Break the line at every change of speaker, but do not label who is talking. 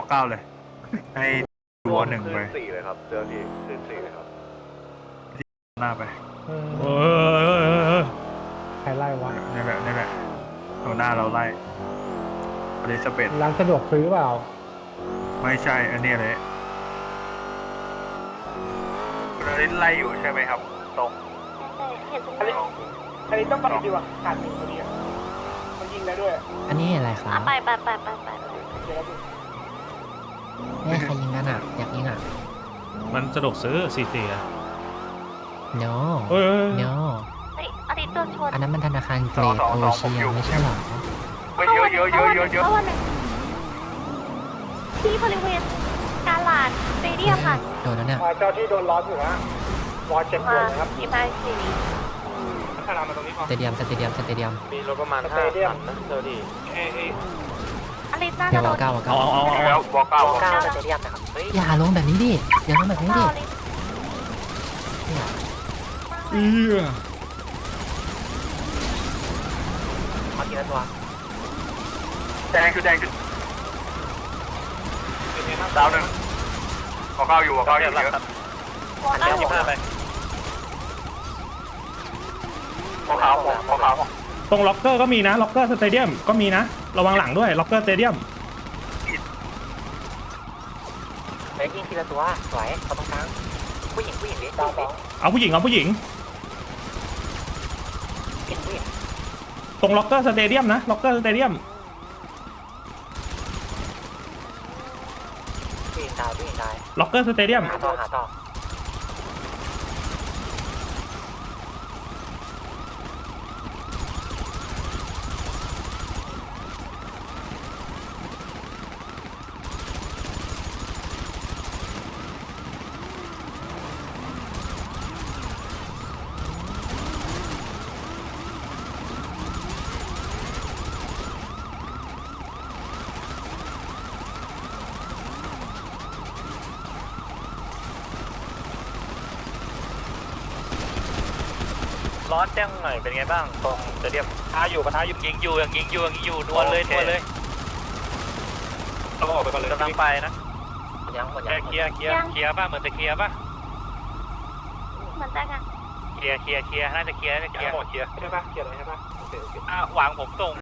9เลยให้วอ1ไป
4เลยครับเจอที่คืน4เลยครับ
หน้าไป
ใครไล่วะ
นี่แหละหัวหน้าเราไล่อลิซาเบธ
ร้านสะดวกซื้อเปล่า
ไม่ใช่อันนี้เลยคุณอลิซไล่อยู่ใช่ไหมครับตรง
เห็นตรงนี้
อันนี้ต้องไปดีกว่าขาดหนึ่งพอดีอ่ะมันยิงได้ด้วย
อันนี้อะไรครับ
ไป
เดี๋ยวดู
เฮ้ยใครยิงกันอ่ะอยากยิงอ่ะ
มันสะดวกซื้อ44อ่ะ
no
เฮ้ย
no
เฮ้ยอาทิตย์โดนชน
อันนั้นมันธนาคารเกรดโอเชียไม่ใช่หรอ
เยอะ
ที่บริเวณกาลาดสเตเดียมค่ะ
โดนแล้วเนี่ย
เจ้าที่โดนล้อมอยู่นะวอลเจ็บปวดนะครับ
ที่บ้านสี
ขนาดมาตรงนี้ก่อน
สเตเดียม
มีรถประมาณ5 คันนะเจอที่
อาทิตย์น่า
เดี๋
จะ
ยว
โด
วอน เก้าวอเก้า
แล้ววอ9
สเตเดียมนะครับ
อย่าลงแบบนี้ดิอย่าลงแบบนี้ดิเนี่ย
มาทีละตัว
แดงคือดาว1วอ9อยู่เยอะ
วอลเก้าหัว
วอขาว
ตรงล็อกเกอร์ก็มีนะล็อกเกอร์สเตเดียมก็มีนะระวังหลังด้วยล็อกเกอร์สเตเดียม
ไปยิงทีละตัวสวยเขาตรงกลางผู้หญิงดิดาวสอง
เอาผู้หญิงตรงล็อกเกอร์สเตเดียมนะล็อกเกอร์สเตเดียม
ผู้หญิงตาย
ล็อกเกอร์สเตเดียม
หาต่อ
ร้อนแจ้งหน่อยเป็นไงบ้างตรงสเตเดียมปะทะอยู่ยิงอยู่นวลเลยเราออกไปก่อนเลยกำลังไปนะ
ยัง
เคลียร์ป่ะเหมือนจะเคลียร์ป่ะ
เหมือนจะกัน
เคลียร์น่าจะเคลียร์หมดเคลียร์
ใช่ปะเขียนอะไรใช่ปะโอเค
หวังผมส่ง